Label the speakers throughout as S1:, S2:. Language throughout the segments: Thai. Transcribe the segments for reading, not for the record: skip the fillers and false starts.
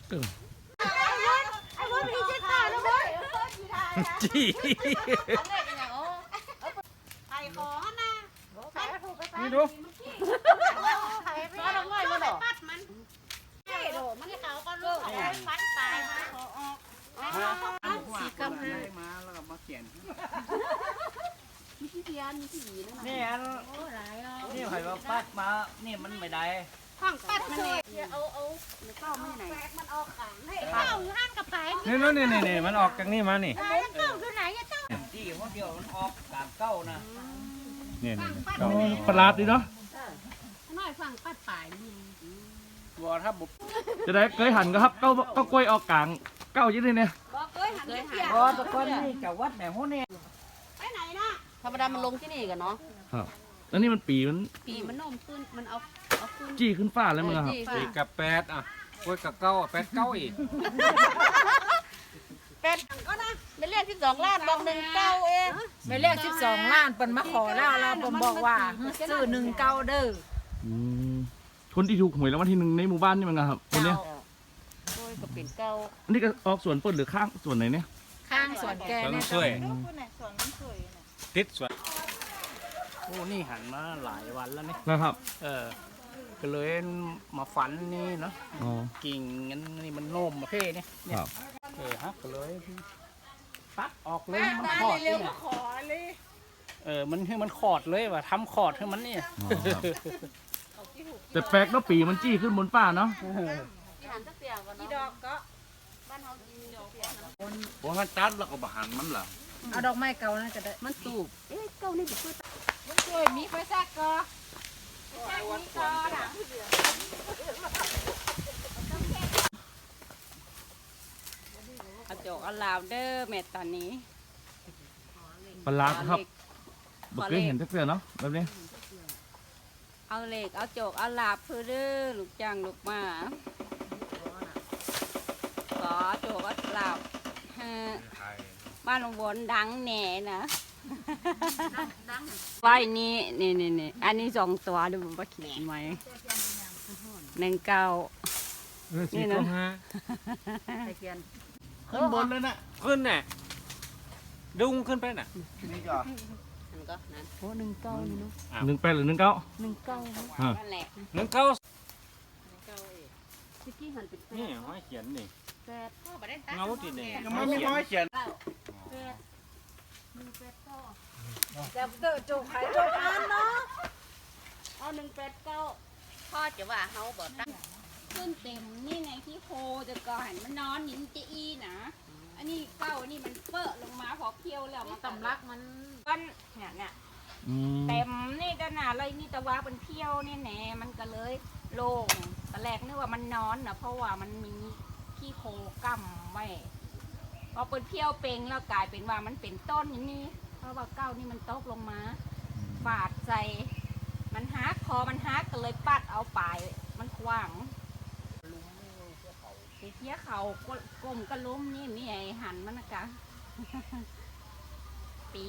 S1: ไอ้บนพี่เจ๊ข้าแล้วบน
S2: จี้
S1: ไข่ของนะ
S2: นี่ดู
S1: ไข่ไปเอาไว้มาดอกปัดมันไอ้โดมันเขาก็ลูกฟันตายมันขอออกสีกำเลย
S3: มาแล้วก็มาเขียน
S1: มีที่เทียนมีที่หยีนั่น
S3: นี่อัน
S1: โอ้หลายแล้ว
S3: นี่ไผ่ว่าปัดมานี่มันไม่ได้
S1: ห้องปัดมันเนี่ยเอาเข้าไม่ไหนมันออกขังให้เข้าอยู่ห้างกับไผ่
S2: นี่มันออกจากนี่มานี่
S1: ไผ่เข้าอยู่ไหนอะเจ้า
S3: ที่หัวเดียวมันออกกลางเก้านะ
S2: นี่ประหลาดดีเนาะ
S1: น้อยฟังปัดป่ายนี่
S3: วัวถ้าบุบ
S2: จะได้เคยหันก็ครับเก้ากล้วยออกกลางเก้ายี่นี่เนี่ย
S1: บอกเคยหันเคยหัน
S3: วัวตะก้อนนี่จะวัดแม่หัวเนี่ย
S1: ไปไหนนะธรรมดามันลงที่นี่กันเนาะ
S2: ครับแล้วนี่มันปีมัน
S1: ปีมันโน้มขึ้นมันเอาขึ้น
S2: จี้ขึ้นฟ้าแล้วมึงครับ
S4: ปีกับแปดอ่ะกล้วยกับเก้าแปดเก้าอีก
S1: เป็ดก็นะไม่เรียก12 ล้านบอก19เอง
S5: ไม่เรียก12 ล้านเปิ้นมาขอแล้วเราผมบอกว่าซื้อ19เด้อ
S2: คนที่ถูกหวยรางวัลที่ 1ในหมู่บ้านนี่มันครับคนเนี้ย
S1: โอ้ยก็เป็นเก้า
S2: อันนี้ก็ออกสวนเปิดหรือข้างสวนไหนเนี่ย
S5: ข้างสวนแก
S4: สวน
S5: เนี่ย
S4: ช่วยติดสวน
S3: โอ้นี่หันมาหลายวันแล้วนี่
S2: นะครับ
S3: ก็เลยมาฝันนี่เนาะ
S2: อ๋อ
S3: กิ่งงั้นนี่มันโน้มมาเพ่เนี่ย
S2: ครับ
S3: ฮะก็เลยปัดออกเลยมันขอดเลยมันให้มันขอดเลยว่ะทำขอดให้มันเนี่ย
S2: อ๋อครับแต่แปลกเนาะปีมันจี้ขึ้นบนฟ้าเนาะ
S1: ที่หันสักเสียก่อนเนาะดอกก็บ้านเฮากินดอกเสียเนาะ
S4: ว่ามันตัดแล้วก็บหันมันเหรอ
S5: เอาดอกไม้เก่านะก็ได้
S1: มันสูบเก้านี่เป็นช่วย
S5: ช่วยมีไฟแทรกก็
S1: เอาจอกเอาลาวเด้อแม่ตอนนี้
S2: ประหลาดครับบ่เคยเห็นสักเทื่อเนาะแบบนี้
S1: เอาเหล็กเอาจอกเอาลาบเพื่อเด้อลูกจ้างลูกมาขอจอกเอาลาบบ้านหลวงบนดังแหน่นะไว้นี่อันนี้2 ตัวดูว่าเขียนไว้19นี่นะ
S3: ขึ้นบนเลยนะ
S4: ขึ้นน่ะดุ้งขึ้นไปน่ะ
S3: นี่ก็
S1: มันก็นั่นโอ้19นี่เนาะ
S2: 18หรือ19
S1: 19นั่นแหละ
S4: นึ่งเก้า
S1: ที่กี้หันเป็น
S4: นี่ห้อยเขียนนี่
S1: แปดพ่อบ่ได้ตัด
S4: เงาติดนี่
S3: ยังไม่น้อยเขียน
S1: แปด189
S5: แต่เตอโจกขายโจกอันเนาะ
S1: เอา189พ่อจะว่าเฮาบ่ตั้งขึ้นเต็มนี่ไงที่โคจะก่อนมันนอนหินจะอีนะอันนี้เก้านี่มันเปอะลงมาพอเคี้ยวแล้วมัน
S5: ตำรักมัน
S1: ก้อนเนี่ยเต็มนี่ก็น่ะเลยนี่ตะว่าเป็นเพี้ยวนี่แหน่มันก็เลยโล่งตอนแรกนึกว่ามันนอนนะเพราะว่ามันมีขี้โคกั้มไว้พอเป็นเพี้ยวเป่งแล้วกลายเป็นว่ามันเป็นต้นอย่างนี้เพราะว่าเก้านี่มันตกลงมาฟาดใส่มันฮักคอมันฮักก็เลยปัดเอาปลายมันขวางเทียเขากลมกระล้มนี่มีไอ้หันมันนะกะ ปี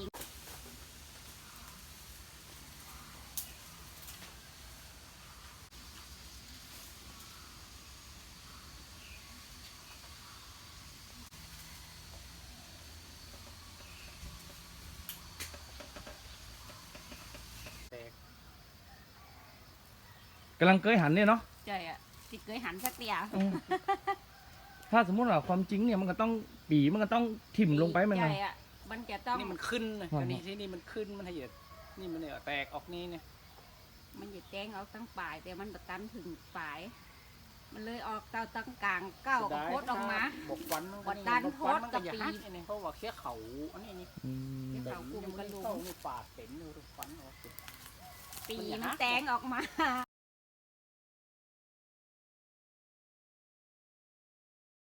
S2: กำลังเคยหันเนี่ยเนาะ
S1: ใช่อ่ะติเคยหันสักเดียว
S2: ถ้าสมมุติว่าความจริงเนี่ยมันก็ต้องปีมันก็ต้องถิ่มลงไปมัน
S1: ใช่
S2: นะ
S1: อ่ะมันจะต้อง
S3: นี่มันขึ้นนะ
S2: อ๋ออั
S3: อันนี้ที่นี่มันขึ้นมันให้เหยียดนี่มันเนี่ยแตกออกนี่เนี่ย
S1: มันจะแจ้งเอาตั้งปลายแต่มันประตันถึงปลาย มันเลยออกเตาตั้งกลางเก้าก็โคตรออกมา
S3: บกฟัน
S1: กดดันโพสต์กับปี
S3: เพราะว่าเคี้ยเขาอันนี้นี่
S2: อืม
S1: ที่เขากลุ่มกระลุ
S3: เข้าม นี่ปาดเต็มเลยฟันออก
S1: ปีมันแตงออกมา